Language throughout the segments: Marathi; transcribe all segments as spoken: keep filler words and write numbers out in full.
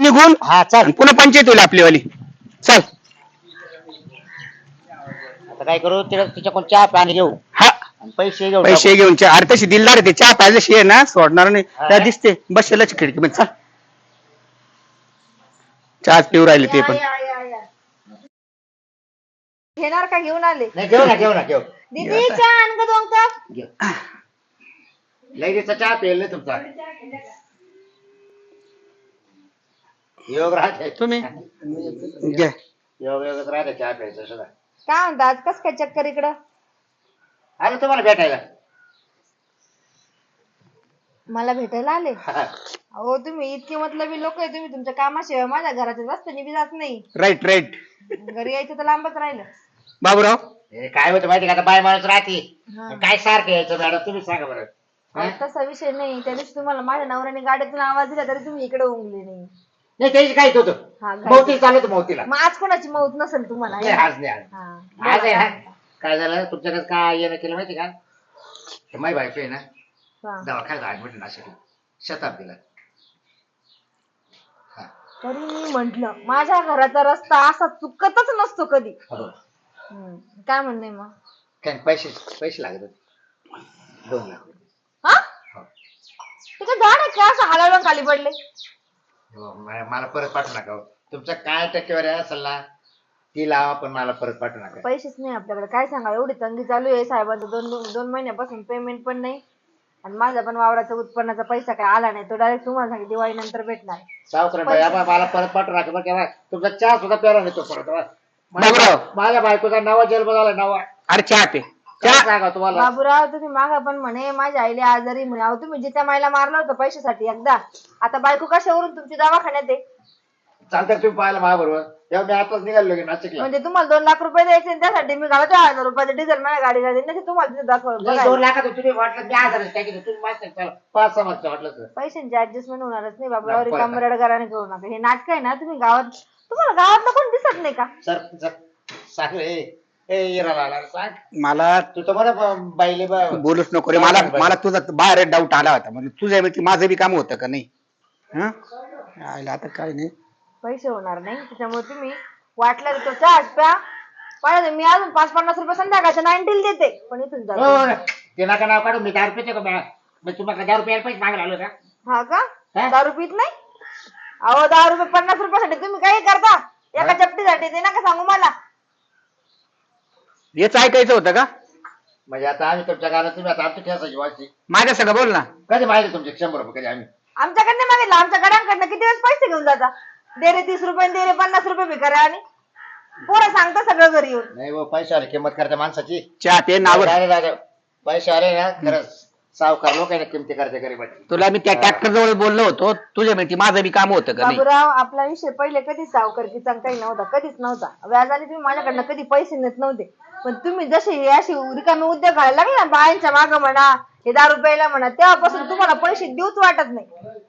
निघून. हा चल पुन्हा पंचायत होईल आपलीवाली. चल आता काय करू तिच्याकडून चहा पाणी घेऊ हा आणि पैसे घेऊ पैसे घेऊन चहा. अरे तशी दिलदार आहे ते, चहा पाहिजे आहे ना, सोडणार नाही त्या हा. दिसते बसेलच खिडकी मध्ये. चल चहाच पिऊ राहिले ते पण. या, या, या. घेणार का? घेऊन आले. नाही घेऊ ना घेऊ ना घेऊ दीदी चहा आण का दोन कप? घेऊ लगेचचा चहा पेल तुमचा योग राहते तुम्ही घ्या. योग योगच राहते चहा प्यायचं सुद्धा. काय म्हणता आज कस काय चक्कर इकडं? आलो तुम्हाला भेटायला. मला भेटायला आले? हा. अहो तुम्ही इतके मतलबी लोक आहे, तुम्ही तुमच्या कामाशिवाय माझ्या घराच्या रस्त्याने बी जात नाही. राईट राईट घरी यायचं तर लांबच राहिलं. बाबूराव. हे काय होतं माहिती का, आता बाय माणूस राहते हा. काय सारखं यायचं मॅडम तुम्ही सांगा बरं. हा? अहो, तसा विषय नाही. त्या दिवशी तुम्हाला माझ्या नवऱ्याने गाड्यातून आवाज दिला तरी तुम्ही इकडे उमले नाही. नाही त्याची काहीच होतं हा, मौती चालू होतं मौतीला. मग आज कोणाची मौत नसेल तुम्हाला? नाही, आज नाही आज हा. आज आहे ना. काय झालं तुमच्याकडे काय येणं केलं माहिती का, हे माई बायको आहे ना हा. दवाखान्यात ऍडमिट नाशिक शताब्दीला. हा. तरी मी म्हंटल माझ्या घराचा रस्ता असा चुकतच नसतो कधी. हो. हम्म. काय म्हणणे मग? काय पैसे पैसे लागत होते दोन लाख रुपये. हा हो. ते काय झाड आहे का असं हलवलं खाली पडले? हो, मला मला परत पाठवू नका हो. तुमचा काय टक्केवारी असेल ना ती लावा, पण मला परत पाठवू नका. पैसेच नाही आपल्याकडे. काय सांगा, एवढी तंगी चालू आहे साहेबांचं. दोन दोन महिन्यापासून पेमेंट पण नाही आणि माझा पण वावराचा उत्पन्नाचा पैसा काय आला नाही. तो डायरेक्ट तुम्हाला सांगितलं दिवाळी नंतर भेटणार. सावकार बाई आबा मला परत पाठवू नका बरं केव्हा तुमचा चहा सुद्धा प्यारा नाही तो परत बा. माझ्या बाबूराव. माझ्या बायकोचा नवा जन्म झाला नवा. अरे चहा पे. काय चहा. सांगा तुम्हाला. बाबूराव तुम्ही मागा पण म्हणे माझ्या आईला आजारी म्हणे. अहो तुम्ही जित्या माईला मारलं होतं पैशासाठी एकदा, आता बायको कशावरून तुमची दवाखान्यात आहे? चालतं तुम्ही पाहायला माझ्या बरोबर तेव्हा मी आताच निघालो की नाशिकला. म्हणजे तुम्हाला दोन लाख रुपये द्यायचे आणि त्यासाठी मी घालतो हजार रुपयाचं डिझेल माझ्या गाडीला देईन. नाही तुम्हाला तिथे दाखवलं नाही, बघायला. दोन लाखात तुम्ही वाटलं मी हजार टाकी तुम्ही मागता चला पाच सहा मागचं वाटलं तर. पैशांची ऍडजस्टमेंट होणारच नाही बाबूराव. नाही, रिकाम परत. रडगाराने करू नका. हे नाटक आहे ना, तुम्ही गावात तुम्हाला गावातलं कोण दिसत नाही का? सर सर सांग रे ए इराला आला सांग. मला तू तर बरं बाईले बा- बोलूच नको रे. मला मला तुझा बाहेर डाऊट आला होता. म्हणजे तुझ्या व्यक्ती माझं बी काम होतं का नाही? हा आयला आता काय नाही. पैसे होणार नाही त्याच्यामुळे तुम्ही वाटलं तर तो चहा प्या. पाहिजे मी अजून पाच पन्नास रुपये संध्याकाळच्या नाईन्टील देते, पण इथून हो, जातो. ते नका नाव काढू. मी दहा रुपये का मी तुम्हाला दहा रुपये पैसे मागायला आलो का. हा का? हा? दारू पित नाही? अहो दहा रुपये पन्नास रुपयासाठी तुम्ही काही करता एका चपटीसाठी? ते नका सांगू मला. हेच ऐकायचं होतं का? म्हणजे आता आम्ही तुमच्या गाण्यात तुम्ही आता आमची ठेसायची वाची माझ्या सगळं बोल ना. कधी माहिती तुमचे शंभर रुपये कधी आम्ही आमच्याकडनं मागितलं, आमच्या गड्यांकडनं किती वेळेस पैसे घेऊन जाता? दे रे तीस रुपये दे रे पन्नास रुपये भिकाऱ्या. आणि पोरं सांगता सगळं घरी येऊन. नाही हो पैसे आले किंमत करते माणसाची. चहा पे नावर. अरे दादा पैसे आले ना खरंच सावकार लोक आहे ना किमती करते गरीबाची. तुला मी त्या ट्रॅक्टर जवळ बोललो होतो, तुझ्या माहिती माझं बी काम होतं का नाही? बाबूराव आपला विषय पहिले कधीच सावकारकीचा काही नव्हता, कधीच नव्हता. व्याजाने तुम्ही माझ्याकडनं कधी पैसे नेत नव्हते. पण तुम्ही जसे हे अशी रिकामे उद्योग घालायला लागले ना बायांच्या मागं म्हणा, हे दारू प्यायला म्हणा, तेव्हापासून तुम्हाला पैसे देऊच वाटत नाही.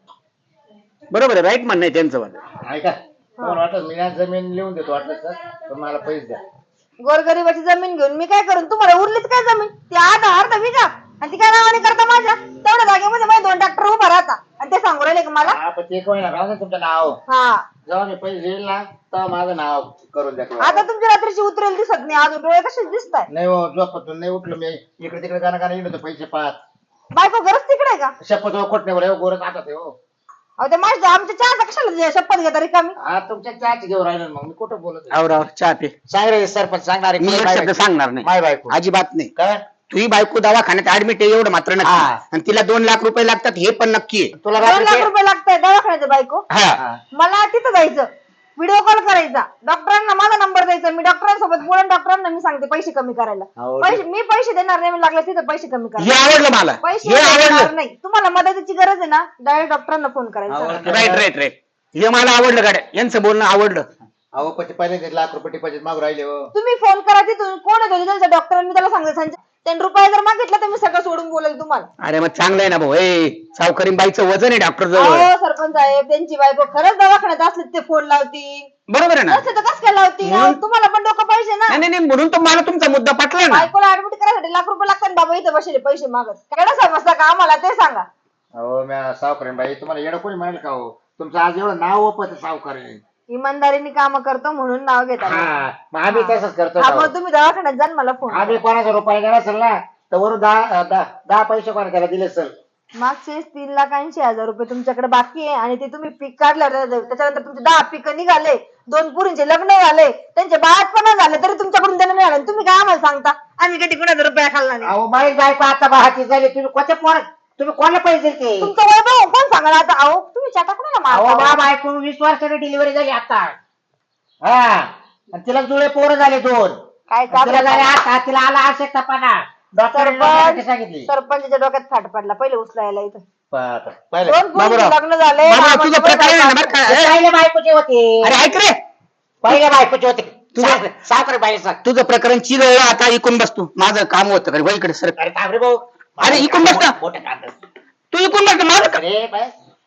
बरोबर आहे. राईट म्हणणं आहे त्यांचं वाटत. ऐका तुम्हाला वाटत मी ना जमीन लिहून देतो वाटलं सर पण मला पैसे द्या. गोरगरिबाची जमीन घेऊन मी काय करून? तुम्हाला उरलीच काय जमीन? ती अर्धा अर्धा विका आणि ती काय नावाने करता माझ्या? तेवढ्या जागेमध्ये माझे दोन ट्रॅक्टर उभा राहता आणि ते सांगू राहिले का मला? हा पण ते कोण ना राहू दे तुमचं नाव. हा जेव्हा मी पैसे येईल ना तेव्हा माझं नाव करून द्या. आता तुमची रात्रीची उतरेल दिसत नाही, अजून डोळे कसेच दिसताय. नाही हो झोपतून नाही उठलो मी इकडे तिकडे गाणं गाणं येत होतं पैसे पाहत. बायको गरज तिकडे का? शपथ हो खोटण्यावर हो गोरच आता ते हो. अहो ते माझ्या आमच्या चहाचा कशाला शपथ घेता रिकामी? हा तुमच्या चहाची घेऊन राहिलो मग मी कुठं बोलत आहे? आवराव चहा पे. सांग रे सरपंच सांगणार मी एक शब्द सांगणार नाही. माय बायको अजिबात नाही. काय तुझी बायको दवाखान्यात ऍडमिट आहे एवढं मात्र नक्की. हा. आणि तिला दोन लाख रुपये लागतात हे पण नक्की आहे. तुला दोन लाख रात्री रुपये लागताय दवाखान्याचं बायको? हा हा. मला तिथं जायचं, व्हिडिओ कॉल करायचा, डॉक्टरांना माझा नंबर द्यायचा, मी डॉक्टरांसोबत बोलून डॉक्टरांना मी सांगते पैसे कमी करायला. हो, पैसे मी पैसे देणार नाही, मी लागले तिथं पैसे कमी हे करा. आवडलं मला. पैसे हे देणार आवडलं. नाही. तुम्हाला मदतीची गरज आहे ना, डायरेक्ट डॉक्टरांना फोन करायचा. आवडलं. Right right right. हे मला आवडलं गाड्या. यांचं बोलणं आवडलं. अहो पण ते पहिले लाख रुपये डिपॉझिट मागू राहिले हो. तुम्ही फोन करा तिथून, कोण आहे त्यांचा डॉक्टर? मी त्याला सांगते संजय त्यांनी रुपये जर मागितलं तर मी सगळं सोडून बोलेल तुम्हाला. अरे मग चांगलं आहे ना भाऊ. ए सावकारीन बाईचं वजन आहे डॉक्टर जवळ. अहो सरपंच साहेब त्यांची बायको खरंच दवाखान्यात असले ते फोन लावतील, बरोबर आहे ना? नसते तर कसं काय लावतील? अहो, तुम्हाला पण डोकं पाहिजे ना. नाही नाही म्हणून तर मला तुमचा मुद्दा पटला ना. बायकोला ऍडमिट करायसाठी लाख रुपये लागतात, बाबा इथे बसले पैसे मागत. काय समजता का आम्हाला ते सांगा. अहो म्या सावकारीन बाई तुम्हाला येणं कोणी म्हणाल का हो? तुमचं आज एवढं नाव ओपत सावकार आहे. इमानदारीने काम करतो म्हणून नाव घेतात. हा मग आम्ही तसंच करतो हा ना. मग तुम्ही दवाखान्यात जा आणि मला फोन आम्ही कोणाचा रुपये गेला असेल ना तर वरून दहा दहा दहा पैसे कोणा त्याला दिले असेल. मागचे तीन लाख ऐंशी हजार रुपये तुमच्याकडे बाकी आहे आणि ते तुम्ही पीक काढल्यावर त्याच्यानंतर तुमचे दहा पीक निघाले, दोन पुरींचे लग्न झाले, त्यांचे बाळातपणा झाले, तरी तुमच्याकडून देणं नाही आलं. तुम्ही काय आम्हाला सांगता आम्ही कधी कुणाचा रुपया खाल्ला नाही? अहो माझी बायको आता बाहाची झाली, तुम्ही कोणत्या पोर तुम्ही कोणाला पैसे दिले? तुमचं वैभव कोण सांगा आता? अहो तुम्ही चाटा कुणाला अहो मारता? बा बायको वीस वर्षाची डिलिव्हरी झाली आता. हा आणि तिला जुळे पोरं झाले दोन. काय तिला झाले आता तिला आला आवश्यकतापणा डॉक्टर सांगितली. सरपंचाच्या डोक्यात फाट पडला पहिले उचलायला इथं. पहिले दोन पुरींचे बाबूराव. लग्न झाले, बाबूराव, तुझं मामाचं प्रकरण आहे ना बरं का? ए, पहिले बायकोचे होते. अरे ऐक रे, पहिले बायकोचे होते. तुझं- साखर बाईचा. तुझं प्रकरण चिरवलं, आता इकून बसतो. माझं काम होतं का इकडे सर? अरे थांब रे भाऊ. अरे, इकडून बस ना. मोठं कांदा. तू इकून बसतो माझं का? अरे बाय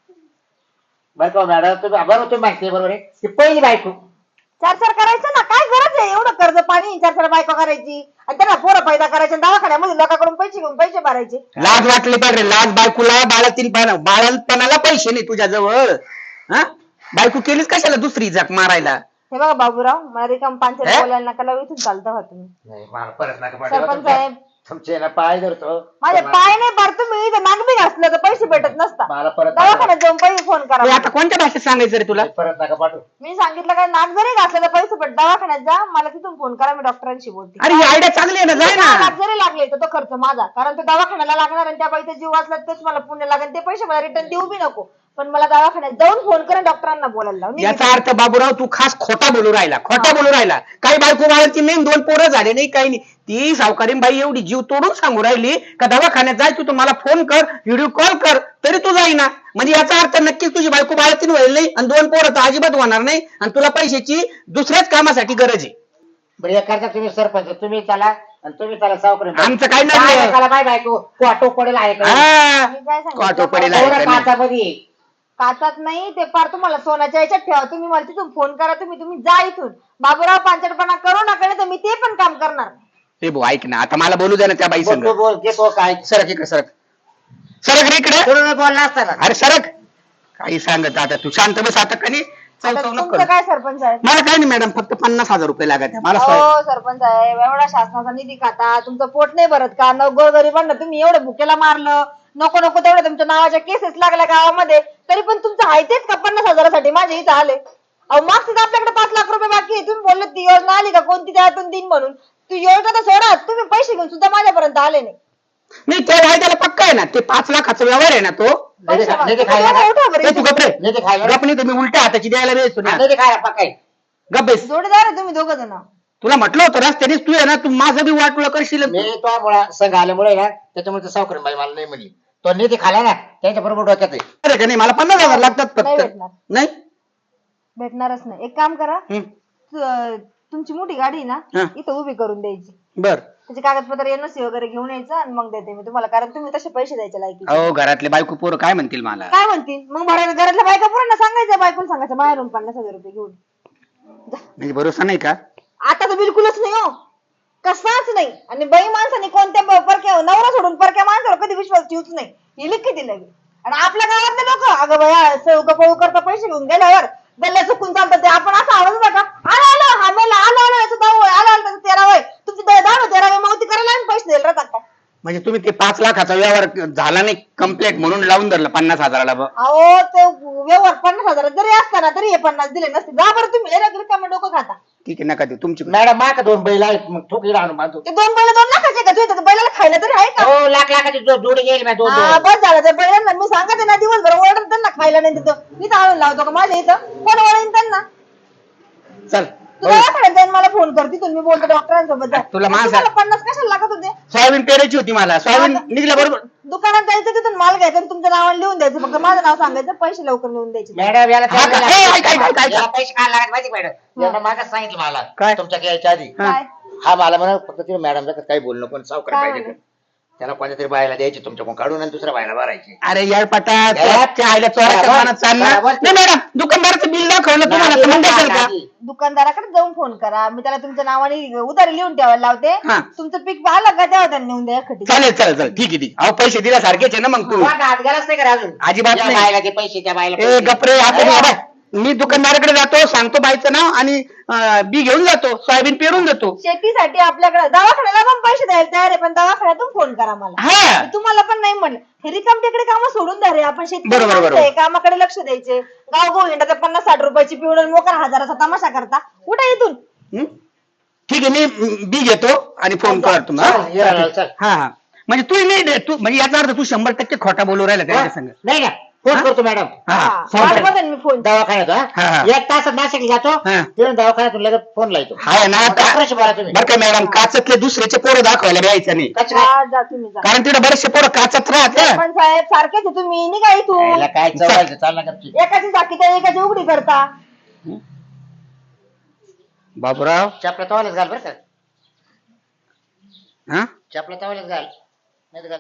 बरं का मॅडम तुम्ही बरोबर तुम्ही माहिती बरोबर आहे ती पहिली बायको. चार चार करायचं ना, काय गरज आहे एवढं कर्ज पाणी चार चार बायको करायची आणि त्यांना पोरं पैदा करायचे आणि दवाखान्यामध्ये लोकांकडून पैसे घेऊन पैसे भरायचे? लाज वाटली पाहिजे, लाज बायकोला. बाळातील बाळापणाला पैसे नाही तुझ्या जवळ. हा बायको केलीच कशाला दुसरी जाक मारायला? हे बघा बाबूराव, मला रिकाम हे? पांचायत बोलायला नका लावू, इथून चालता व्हा तुम्ही. नाही मला परत नका पाठवा. सरपंच तुमच्या- साहेब, तुमचे ना पाय धरतो. माझे पाय नाही भर, तुम्ही इथं नागबी घासलं तर पैसे भेटत नसता. मला परत दवाखान्यात जाऊन पैसे फोन तू करा. आता कोणत्या भाषेत सांगायचं रे तुला? परत नका पाठवू. मी सांगितलं काय, नाक जरी घासलं तर पैसे भेट, दवाखान्यात जा, मला तिथून फोन करा, मी डॉक्टरांशी बोलते. अरे ही आयडिया चांगली आहे ना, जाय दहा ना. लाख जरी लागले तर तो खर्च माझा, कारण तो दवाखान्याला लागणार आणि त्या बाईचा जीव वाचला तेच मला पुण्य लागेल. ते पैसे मला रिटर्न देऊ बी नको, पण मला दवाखान्यात जाऊन फोन करा, डॉक्टरांना बोलायला लावून. याचा अर्थ बाबूराव तू खास खोटा बोलू राहिला, खोटा बोलू राहिला. काही बायको बाळाची नाही, दोन पोरं झाले नाही, काही नाही. ती सावकारीन बाई एवढी जीव तोडून सांगू राहिली का दवाखान्यात जाय, तू मला फोन कर, व्हिडिओ कॉल कर, तरी तू जाईना. म्हणजे याचा अर्थ नक्कीच तुझी बायको बाळातीन व्हायला नाही आणि दोन पोरं तर अजिबात होणार नाही आणि तुला पैशाची दुसऱ्याच कामासाठी गरज आहे. बरं एक करता तुम्ही सरपंच तुम्ही चला आणि तुम्ही चला सावकर. आमचं काय नाही. चला बाय बायको क्वाटो पडेल आहे का? हा मी काय सांगितलं? क्वाटो पडेल आहे एवढं का नाही? काचामध्ये. काचात नाही, ते पार तुम्हाला सोन्याच्या याच्यात ठेवा. तुम्ही मला तिथून फोन करा, तुम्ही तुम्ही जा इथून. बाबूराव पांचटपणा करू नका, नाही तर मी ते पण काम करणार. ए भाऊ ऐक ना, आता मला बोलू दे ना त्या बाई संग. बोल बोल घेतो काय सरक इकडे, सरक सरक रे इकडे. कोणी बोलला असताना अरे सरक. काही सांगत आता तू, शांत बस आता. का नाही चव आता चव नको तुमचं करू. काय सरपंच आहे? मला काय नाही मॅडम, फक्त पन्नास हजार रुपये लागत आहे मला. साहेब हो सरपंच साहेब, एवढा शासनाचा निधी खाता, तुमचं पोट नाही भरत का? न गोरगरिबांना तुम्ही एवढं भुकेला मारलं, नको नको तेवढं तुमच्या नावाच्या केसेस लागल्या गावामध्ये, तरी पण तुमचं आहे तेच का पन्नास हजारासाठी माझे इथं आले? अहो मागचं आपल्याकडे पाच लाख रुपये बाकी आहे. तुम्ही बोलले ती योजना आली का कोणती त्यातून दिन म्हणून? तू योजना तर सोडा, तुम्ही पैसे घेऊन सुद्धा माझ्यापर्यंत आले नाही. नाही ते वायद्याला पक्का आहे ना, ते पाच लाखाचा व्यवहार आहे ना तो. नाही ते- नाही ते तुम्ही खायला एवढं उठा बरं ए, तू इथून. गप रे. नाही ते खायला गप नाही तुम्ही उलट्या हाताची द्यायला वेळ ना. नाही ते खायला पकाय. गप बेस. जोडीदार आहे तुम्ही दोघं जण. तुला म्हटलं होतं रस्त्यानेच तू आहे ना, तू माझं बी वाटलं करशील. मी तो मुळा संघ आल्यामुळे ना त्याच्यामुळे सावकर बाई मला नाही म्हणली. तो नेते खाला ना त्यांच्या बरोबर डोक्यात आहे. अरे का नाही, मला पन्नास हजार लागतात नाही फक्त. भेटणार. नाही भेटणारच नाही. एक काम करा, हम्म. तु- तुमची मोठी गाडी आहे ना हा. इथं उभी करून द्यायची, बर. त्याचे कागदपत्र एनओसी वगैरे घेऊन यायचं आणि मग देते मी तुम्हाला, कारण तुम्ही तसे पैसे द्यायचे लायकी. अहो घरातले बायको पोरं काय म्हणतील मला? काय म्हणतील मग? भरायला घरातल्या बायका पुरांना सांगायचं, बायकोला सांगायचं बाहेरून पन्नास हजार रुपये घेऊन. म्हणजे भरोसा नाही का? आता तर बिलकुलच नाही हो, कसाच नाही. आणि बाई माणसाने कोणत्या ब- परक्या नवरा सोडून परक्या माणसावर कधी विश्वास ठेवूच नाही. ही लिखी दिलं लगे. आणि आपल्या गावातले लोक अगं बया सळू पळू करता पैसे घेऊन गेल्यावर गल्ल्या चुकून चालतात ते. आपण असं आवाज नका आलं आलं हा मेला आलं आलं याचं दहावं आहे, आलं आलं त्याचं तेरावं आहे, तुमची दहावं तेरावं मावती करायला आम्ही पैसे द्यायला राहतात का? म्हणजे तुम्ही ते पाच लाखाचा व्यवहार झाला नाही कम्प्लीट म्हणून लावून धरलं पन्नास हजाराला. ब- अहो ते व्यवहार पन्नास हजार जरी असताना तरी हे पन्नास दिले नसते. जा बरं तुम्ही हे रगली का डोकं खाता. ठीक आहे नका देऊ तुमची. मॅडम माका दोन बैल आहेत मग ठोकी आणून बांधतो. ते दोन बैल दोन लाखाचे का? तुझ्या बैलाला खायला तरी आहे का? हो लाख लाखाची जो- जोडी घेईल मी दोन हा दोन. बस झालं. ते बैलांना मी सांगते ना दिवसभर ओरडत त्यांना खायला नाही तिथं, इथं आणून लावतो का माझ्या इथं? कोण ओळखीन त्यांना? चल तू दवाखान्यात जाऊन मला फोन कर, तिथून मी बोलतो डॉक्टरांसोबत जा. तुला माझा- तुम्हाला पन्नास कशाला लागत होते? सोयाबीन पेरायची होती मला. सोयाबीन निघल्या बरोबर. दुकानात जायचं, तिथून माल घ्यायचा आणि तुमच्या नावाने लिहून द्यायचं, फक्त माझं नाव सांगायचं, पैसे लवकर लिहून द्यायचे. मॅडम याला हा का? ए, ऐक, ऐक, ऐक, ऐक. याला पैसे काय लागत माहिती मॅडम? यांना मागच सांगितलं मला काय? तुमच्या यायच्या आधी. हा. काय हा मला म्हणा फक्त तिला मॅडम काही बोलू नको सावकार काय पाहिजे. म्हणे? त्याला कोणत्या तरी बायला द्यायची तुमच्याकडून काढून आणि दुसऱ्या बायला भरायची. अरे यार पटा या. आईला चोराच्या बरोबर. मनात चालणार बरोबर. नाही मॅडम दुकानदाराचं बिल दाखवलं तुम्हाला तर मग द्याल का दुकानदाराकडे जाऊन फोन करा, मी त्याला तुमच्या नावाने उधारी लिहून ठेवायला लावते. हा. तुमचं पीक आलं का तेव्हा त्यांनी नेऊन द्या खटी. चालेल चालेल चालेल ठीक आहे ठीक आहे. अहो पैसे दिल्यासारखेच आहे ना मग तू हात घालाच नाही करा अजून. अजिबात या नाही. बायला ते पैसे त्या बायला ए पैसे. गपरे आपण अरे, बाबा, मी दुकानदाराकडे जातो सांगतो बाईचं नाव आणि अं, बी घेऊन जातो सोयाबीन पेरून देतो. शेतीसाठी आपल्याकडे दवाखान्याला पण पैसे द्यायला तयार आहे, पण दवाखान्यातून फोन करा मला. हा मी तुम्हाला पण नाही म्हणलं, हे रिकाम तिकडे काम सोडून द्या रे. आपण शेतकरी बरोबर, माणसं बरोबर. आहे, कामाकडे लक्ष द्यायचे. गाव गो हिंडाचा पन्नास साठ रुपयाची पिवळ मोकार हजाराचा तमाशा करता. उठा इथून. हं? ठीक आहे मी बी घेतो आणि फोन करतो मग, चल, ये हा? राहिला, चल. हा हा म्हणजे तू नाही तू म्हणजे याचा अर्थ तू शंभर टक्के खोटा बोलू राहिला त्याच्या संग. नाही ना फोन हा? करतो मॅडम. हा हा, फोन वाट कर. बघेन मी फोन. दवाखान्यात हा, हा? हा. एक तासात नाशिकला जातो हा. तिथून दवाखान्यातून लगेच फोन लावतो. हाय ना का- डॉक्टरशी बोला तुम्ही. बरं का मॅडम काचातले दुसऱ्याचे पोरं दाखवायला द्यायचं नाही कचरा. जा जा तुम्ही जा. कारण तिथे बरेचसे पोरं काचात राहते. पण साहेब सारखेच आहे तुम्ही, निघा याला इथून. काय चव्हायचं चाल ना गपची. एकाची झाकी तर एकाची उघडी करता. बाबूराव चपला तवालाच घाल बरं का. हा चपला तवालाच घाल नाही तर घाल